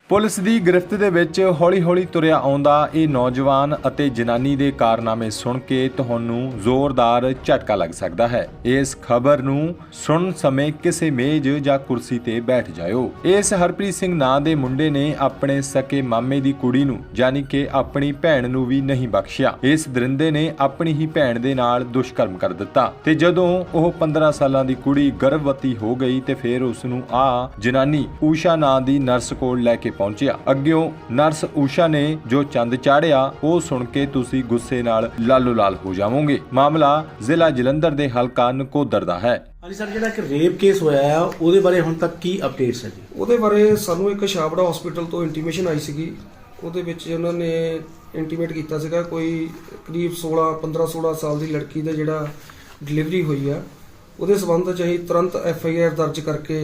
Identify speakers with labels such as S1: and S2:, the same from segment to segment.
S1: Police ਦੀ ਗ੍ਰਿਫਤ ਦੇ ਵਿੱਚ ਹੌਲੀ-ਹੌਲੀ ਤੁਰਿਆ ਆਉਂਦਾ ਇਹ ਨੌਜਵਾਨ ਅਤੇ ਜਨਾਨੀ ਦੇ ਕਾਰਨਾਮੇ ਸੁਣ ਕੇ ਤੁਹਾਨੂੰ ਜ਼ੋਰਦਾਰ ਝਟਕਾ ਲੱਗ ਸਕਦਾ ਹੈ। ਇਸ ਖਬਰ ਨੂੰ ਸੁਣਨ ਸਮੇਂ ਕਿਸੇ ਮੇਜ਼ ਜਾਂ ਕੁਰਸੀ ਤੇ ਬੈਠ ਜਾਇਓ। ਇਸ ਹਰਪ੍ਰੀਤ ਸਿੰਘ ਨਾਂ ਦੇ ਮੁੰਡੇ ਨੇ ਆਪਣੇ ਸਕੇ ਮਾਮੇ ਦੀ ਕੁੜੀ ਨੂੰ ਯਾਨੀ ਕਿ ਆਪਣੀ ਭੈਣ ਨੂੰ ਵੀ ਨਹੀਂ ਬਖਸ਼ਿਆ। ਇਸ ਦਰਿੰਦੇ ਨੇ ਆਪਣੀ ਹੀ ਭੈਣ ਦੇ ਨਾਲ ਦੁਸ਼ਕਰਮ ਕਰ ਦਿੱਤਾ ਤੇ ਜਦੋਂ ਉਹ 15 ਸਾਲਾਂ ਦੀ ਕੁੜੀ ਗਰਭਵਤੀ ਹੋ ਗਈ ਤੇ ਫਿਰ ਉਸ ਨੂੰ ਜਨਾਨੀ ਊਸ਼ਾ ਨਾਂ ਦੀ ਨਰਸ ਕੋਲ ਲੈ ਕੇ ਪਹੁੰਚਿਆ। ਅੱਗਿਓਂ ਨਰਸ ਊਸ਼ਾ ਨੇ ਜੋ ਚੰਦ ਚਾੜਿਆ ਉਹ ਸੁਣ ਕੇ ਤੁਸੀਂ ਗੁੱਸੇ ਨਾਲ ਲਾਲੋ ਲਾਲ ਹੋ ਜਾਵੋਗੇ। ਮਾਮਲਾ ਜ਼ਿਲ੍ਹਾ ਜਲੰਧਰ ਦੇ ਹਲਕਾ ਨਕੋਦਰ ਦਾ ਹੈ।
S2: ਹਾਂਜੀ ਸਰ, ਜਿਹੜਾ ਇੱਕ ਰੇਪ ਕੇਸ ਹੋਇਆ ਹੈ ਉਹਦੇ ਬਾਰੇ ਹੁਣ ਤੱਕ ਕੀ ਅਪਡੇਟਸ ਹੈ ਜੀ?
S3: ਉਹਦੇ ਬਾਰੇ ਸਾਨੂੰ ਇੱਕ ਛਾਬੜਾ ਹਸਪੀਟਲ ਤੋਂ ਇੰਟੀਮੇਸ਼ਨ ਆਈ ਸੀਗੀ। ਉਹਦੇ ਵਿੱਚ ਉਹਨਾਂ ਨੇ ਇੰਟੀਮੇਟ ਕੀਤਾ ਸੀਗਾ ਕੋਈ ਕਰੀਬ 15-16 ਸਾਲ ਦੀ ਲੜਕੀ ਦਾ ਜਿਹੜਾ ਡਿਲੀਵਰੀ ਹੋਈ ਆ, ਉਹਦੇ ਸਬੰਧ 'ਚ ਅਸੀਂ ਤੁਰੰਤ FIR ਦਰਜ ਕਰਕੇ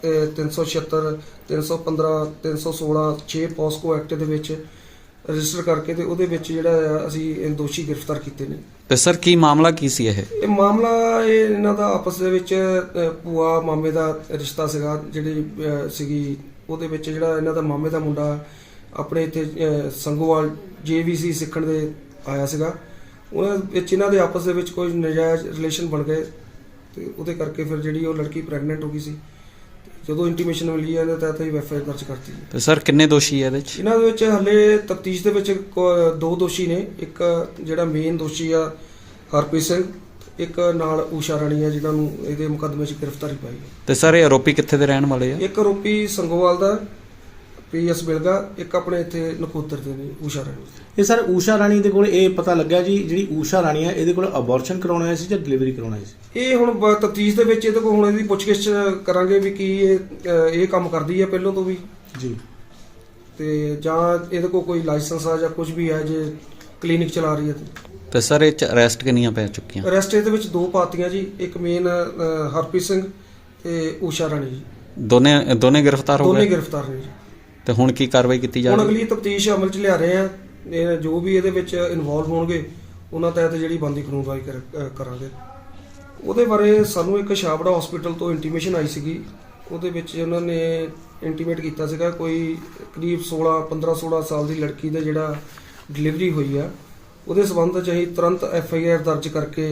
S3: 376 315 316 6 ਪੋਸਕੋ ਐਕਟ ਦੇ ਵਿੱਚ ਰਜਿਸਟਰ ਕਰਕੇ ਤੇ ਉਹਦੇ ਵਿੱਚ ਜਿਹੜਾ ਅਸੀਂ ਦੋਸ਼ੀ ਗ੍ਰਿਫਤਾਰ ਕੀਤੇ ਨੇ।
S4: ਤੇ ਸਰ ਕੀ ਮਾਮਲਾ ਕੀ ਸੀ ਇਹ
S3: ਮਾਮਲਾ ਇਹਨਾਂ ਦਾ ਆਪਸ ਦੇ ਵਿੱਚ ਭੂਆ ਮਾਮੇ ਦਾ ਰਿਸ਼ਤਾ ਸੀਗਾ ਜਿਹੜੀ ਸੀਗੀ। ਉਹਦੇ ਵਿੱਚ ਜਿਹੜਾ ਇਹਨਾਂ ਦਾ ਮਾਮੇ ਦਾ ਮੁੰਡਾ ਆਪਣੇ ਇੱਥੇ ਸੰਗੋਵਾਲ JVC ਸਿੱਖਣ ਦੇ ਆਇਆ ਸੀਗਾ। ਉਹਨਾਂ ਵਿੱਚ ਇਹਨਾਂ ਦੇ ਆਪਸ ਦੇ ਵਿੱਚ ਕੋਈ ਨਜਾਇਜ਼ ਰਿਲੇਸ਼ਨ ਬਣ ਗਏ ਤੇ ਉਹਦੇ ਕਰਕੇ ਫਿਰ ਜਿਹੜੀ ਉਹ ਲੜਕੀ ਪ੍ਰੈਗਨੈਂਟ ਹੋ ਗਈ ਸੀ। ਜਦੋਂ ਇੰਟੀਮੇਸ਼ਨ ਮਿਲੀ ਇਹਦੇ ਤਹਿਤ ਹੀ FIR ਦਰਜ ਕਰਤੀ।
S4: ਤੇ ਸਰ ਕਿੰਨੇ ਦੋਸ਼ੀ ਹੈ ਇਹਦੇ ਵਿੱਚ?
S3: ਇਹਨਾਂ ਦੇ ਵਿੱਚ ਹਲੇ ਤਫਤੀਸ਼ ਦੇ ਵਿੱਚ 2 ਦੋਸ਼ੀ ਨੇ। ਇੱਕ ਜਿਹੜਾ ਮੇਨ ਦੋਸ਼ੀ ਆ ਹਰਪ੍ਰੀਤ ਸਿੰਘ, ਇੱਕ ਨਾਲ ਊਸ਼ਾ ਰਾਣੀ ਆ ਜਿਨ੍ਹਾਂ ਨੂੰ ਇਹਦੇ ਮੁਕੱਦਮੇ 'ਚ ਗ੍ਰਿਫਤਾਰੀ ਪਾਈ ਹੈ।
S4: ਤੇ ਸਰ ਇਹ ਆਰੋਪੀ ਕਿੱਥੇ ਦੇ ਰਹਿਣ ਵਾਲੇ ਆ?
S3: ਇੱਕ ਆਰੋਪੀ ਸੰਗੋਵਾਲ ਦਾ PS ਬਿਲਗਾ, ਇੱਕ ਆਪਣੇ ਇੱਥੇ ਨਕੋਦਰ ਦੇ ਨੇ ਊਸ਼ਾ ਰਾਣੀ।
S2: ਇਹ ਸਰ ਊਸ਼ਾ ਰਾਣੀ ਦੇ ਕੋਲ ਇਹ ਪਤਾ ਲੱਗਾ ਜੀ ਜਿਹੜੀ ਊਸ਼ਾ ਰਾਣੀ ਆ ਇਹਦੇ ਕੋਲ ਅਬੋਰਸ਼ਨ ਕਰਾਉਣਾ ਆਇਆ ਸੀ ਜਾਂ ਡਿਲੀਵਰੀ ਕਰਾਉਣਾ ਆਇਆ ਸੀ?
S3: ਇਹ ਹੁਣ ਤਫਤੀਸ਼ ਦੇ ਵਿੱਚ ਇਹਦੇ ਕੋਲ ਹੁਣ ਇਹਦੀ ਪੁੱਛਗਿੱਛ ਕਰਾਂਗੇ ਵੀ ਕੀ ਇਹ ਕੰਮ ਕਰਦੀ ਹੈ ਪਹਿਲਾਂ ਤੋਂ ਵੀ
S2: ਜੀ,
S3: ਤੇ ਜਾਂ ਇਹਦੇ ਕੋਲ ਕੋਈ ਲਾਇਸੈਂਸ ਆ ਜਾਂ ਕੁਝ ਵੀ ਹੈ ਜੇ ਕਲੀਨਿਕ ਚਲਾ ਰਹੀ ਹੈ
S4: ਤੇ ਸਰ ਇਹ 'ਚ ਅਰੈਸਟ ਕਿੰਨੀਆਂ ਪੈ ਚੁੱਕੀਆਂ?
S3: ਅਰੈਸਟ ਇਹਦੇ ਵਿੱਚ 2 ਪਾਤੀਆਂ ਜੀ, ਇੱਕ ਮੇਨ ਹਰਪ੍ਰੀਤ ਸਿੰਘ ਤੇ ਊਸ਼ਾ ਰਾਣੀ ਜੀ।
S4: ਦੋਨੇ ਗ੍ਰਿਫਤਾਰ ਹੋ ਗਏ?
S3: ਦੋਨੇ ਗ੍ਰਿਫਤਾਰ ਨੇ ਜੀ।
S4: ਤੇ ਹੁਣ ਕੀ ਕਾਰਵਾਈ ਕੀਤੀ ਜਾ
S3: ਹੁਣ
S4: ਰਹੀ ਹੈ?
S3: ਅਗਲੀ ਤਫਤੀਸ਼ ਅਮਲ 'ਚ ਲਿਆ ਰਹੇ ਆ। ਇਹ ਜੋ ਵੀ ਇਹਦੇ ਵਿੱਚ ਇਨਵੋਲਵ ਹੋਣਗੇ ਉਹਨਾਂ ਤਹਿਤ ਜਿਹੜੀ ਬਣਦੀ ਕਾਨੂੰਨਵਾਈ ਕਰਾਂਗੇ। ਉਹਦੇ ਬਾਰੇ ਸਾਨੂੰ ਇੱਕ ਛਾਬੜਾ ਹਸਪੀਟਲ ਤੋਂ ਇੰਟੀਮੇਸ਼ਨ ਆਈ ਸੀਗੀ। ਉਹਦੇ ਵਿੱਚ ਉਹਨਾਂ ਨੇ ਇੰਟੀਮੇਟ ਕੀਤਾ ਸੀਗਾ ਕੋਈ ਕਰੀਬ 15-16 ਸਾਲ ਦੀ ਲੜਕੀ ਦਾ ਜਿਹੜਾ ਡਿਲੀਵਰੀ ਹੋਈ ਆ, ਉਹਦੇ ਸਬੰਧ 'ਚ ਅਸੀਂ ਤੁਰੰਤ FIR ਦਰਜ ਕਰਕੇ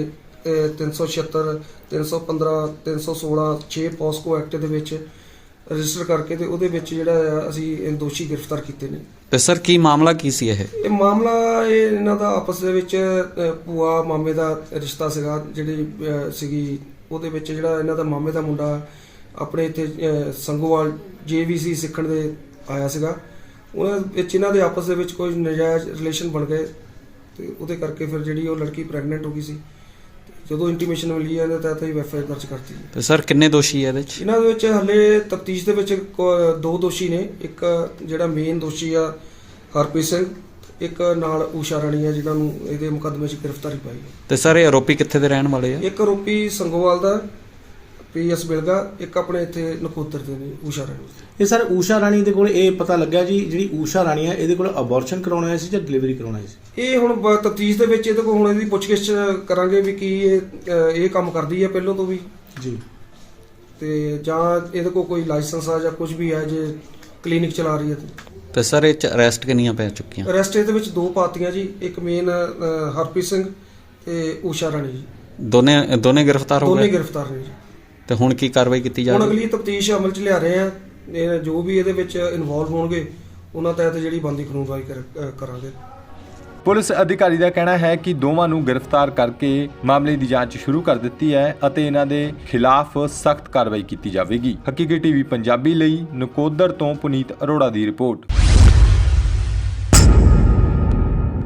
S3: 376 315 316 6 ਪੋਸਕੋ ਐਕਟ ਦੇ ਵਿੱਚ ਰਜਿਸਟਰ ਕਰਕੇ ਤੇ ਉਹਦੇ ਵਿੱਚ ਜਿਹੜਾ ਅਸੀਂ ਦੋਸ਼ੀ ਗ੍ਰਿਫਤਾਰ ਕੀਤੇ ਨੇ।
S4: ਤੇ ਸਰ ਕੀ ਮਾਮਲਾ ਕੀ ਸੀ ਇਹ
S3: ਮਾਮਲਾ ਇਹਨਾਂ ਦਾ ਆਪਸ ਦੇ ਵਿੱਚ ਭੂਆ ਮਾਮੇ ਦਾ ਰਿਸ਼ਤਾ ਸੀਗਾ ਜਿਹੜੀ ਸੀਗੀ। ਉਹਦੇ ਵਿੱਚ ਜਿਹੜਾ ਇਹਨਾਂ ਦਾ ਮਾਮੇ ਦਾ ਮੁੰਡਾ ਆਪਣੇ ਇੱਥੇ ਸੰਗੋਵਾਲ JVC ਸਿੱਖਣ ਦੇ ਆਇਆ ਸੀਗਾ। ਉਹਨਾਂ ਵਿੱਚ ਇਹਨਾਂ ਦੇ ਆਪਸ ਦੇ ਵਿੱਚ ਕੋਈ ਨਜਾਇਜ਼ ਰਿਲੇਸ਼ਨ ਬਣ ਗਏ ਤੇ ਉਹਦੇ ਕਰਕੇ ਫਿਰ ਜਿਹੜੀ ਉਹ ਲੜਕੀ ਪ੍ਰੈਗਨੈਂਟ ਹੋ ਗਈ ਸੀ। ਜਦੋਂ ਇੰਟੀਮੇਸ਼ਨ ਮਿਲੀ ਇਹਦੇ ਤਹਿਤ ਹੀ FIR ਦਰਜ ਕਰਤੀ।
S4: ਤੇ ਸਰ ਕਿੰਨੇ ਦੋਸ਼ੀ ਹੈ ਇਹਦੇ ਵਿੱਚ?
S3: ਇਹਨਾਂ ਦੇ ਵਿੱਚ ਹਲੇ ਤਫਤੀਸ਼ ਦੇ ਵਿੱਚ 2 ਦੋਸ਼ੀ ਨੇ। ਇੱਕ ਜਿਹੜਾ ਮੇਨ ਦੋਸ਼ੀ ਆ ਹਰਪ੍ਰੀਤ ਸਿੰਘ, ਇੱਕ ਨਾਲ ਊਸ਼ਾ ਰਾਣੀ ਆ ਜਿਨ੍ਹਾਂ ਨੂੰ ਇਹਦੇ ਮੁਕੱਦਮੇ 'ਚ ਗ੍ਰਿਫਤਾਰੀ ਪਾਈ ਹੈ।
S4: ਤੇ ਸਰ ਇਹ ਆਰੋਪੀ ਕਿੱਥੇ ਦੇ ਰਹਿਣ ਵਾਲੇ ਆ?
S3: ਇੱਕ ਆਰੋਪੀ ਸੰਗੋਵਾਲ ਦਾ PS ਬਿਲਗਾ, ਇੱਕ ਆਪਣੇ ਇੱਥੇ ਨਕੋਦਰ ਦੇ ਨੇ ਊਸ਼ਾ ਰਾਣੀ।
S2: ਇਹ ਸਰ ਊਸ਼ਾ ਰਾਣੀ ਦੇ ਕੋਲ ਇਹ ਪਤਾ ਲੱਗਾ ਜੀ ਜਿਹੜੀ ਊਸ਼ਾ ਰਾਣੀ ਆ ਇਹਦੇ ਕੋਲ ਅਬੋਰਸ਼ਨ ਕਰਾਉਣਾ ਆਇਆ ਸੀ ਜਾਂ ਡਿਲੀਵਰੀ ਕਰਾਉਣਾ ਆਇਆ ਸੀ?
S3: ਇਹ ਹੁਣ ਤਫਤੀਸ਼ ਦੇ ਵਿੱਚ ਇਹਦੇ ਕੋਲ ਹੁਣ ਇਹਦੀ ਪੁੱਛਗਿੱਛ ਕਰਾਂਗੇ ਵੀ ਕੀ ਇਹ ਕੰਮ ਕਰਦੀ ਹੈ ਪਹਿਲਾਂ ਤੋਂ ਵੀ
S2: ਜੀ,
S3: ਤੇ ਜਾਂ ਇਹਦੇ ਕੋਲ ਕੋਈ ਲਾਇਸੈਂਸ ਆ ਜਾਂ ਕੁਝ ਵੀ ਹੈ ਜੇ ਕਲੀਨਿਕ ਚਲਾ ਰਹੀ ਹੈ
S4: ਤੇ ਸਰ ਇਹ 'ਚ ਅਰੈਸਟ ਕਿੰਨੀਆਂ ਪੈ ਚੁੱਕੀਆਂ?
S3: ਅਰੈਸਟ ਇਹਦੇ ਵਿੱਚ 2 ਪਾਤੀਆਂ ਜੀ, ਇੱਕ ਮੇਨ ਹਰਪ੍ਰੀਤ ਸਿੰਘ ਤੇ ਊਸ਼ਾ ਰਾਣੀ ਜੀ।
S4: ਦੋਨੇ ਗ੍ਰਿਫਤਾਰ ਹੋ
S3: ਦੋਨੇ
S4: ਗਏ?
S3: ਗ੍ਰਿਫਤਾਰ ਨੇ ਜੀ।
S4: ਤੇ ਹੁਣ ਕੀ ਕਾਰਵਾਈ ਕੀਤੀ ਜਾ
S3: ਹੁਣ
S4: ਰਹੀ ਹੈ?
S3: ਅਗਲੀ ਤਫਤੀਸ਼ ਅਮਲ 'ਚ ਲਿਆ ਰਹੇ ਆ। ਇਹ ਜੋ ਵੀ ਇਹਦੇ ਵਿੱਚ ਇਨਵੋਲਵ ਹੋਣਗੇ ਉਹਨਾਂ ਤਹਿਤ ਜਿਹੜੀ ਬਣਦੀ ਕਾਨੂੰਨਵਾਈ ਕਰਾਂਗੇ।
S1: ਪੁਲਿਸ ਅਧਿਕਾਰੀ ਦਾ ਕਹਿਣਾ ਹੈ ਕਿ ਦੋਵਾਂ ਨੂੰ ਗ੍ਰਿਫਤਾਰ ਕਰਕੇ ਮਾਮਲੇ ਦੀ ਜਾਂਚ ਸ਼ੁਰੂ ਕਰ ਦਿੱਤੀ ਹੈ ਅਤੇ ਇਹਨਾਂ ਦੇ ਖਿਲਾਫ ਸਖਤ ਕਾਰਵਾਈ ਕੀਤੀ ਜਾਵੇਗੀ। ਹਕੀਕੀ TV ਪੰਜਾਬੀ ਲਈ ਨਕੋਦਰ ਤੋਂ ਪੁਨੀਤ ਅਰੋੜਾ ਦੀ ਰਿਪੋਰਟ।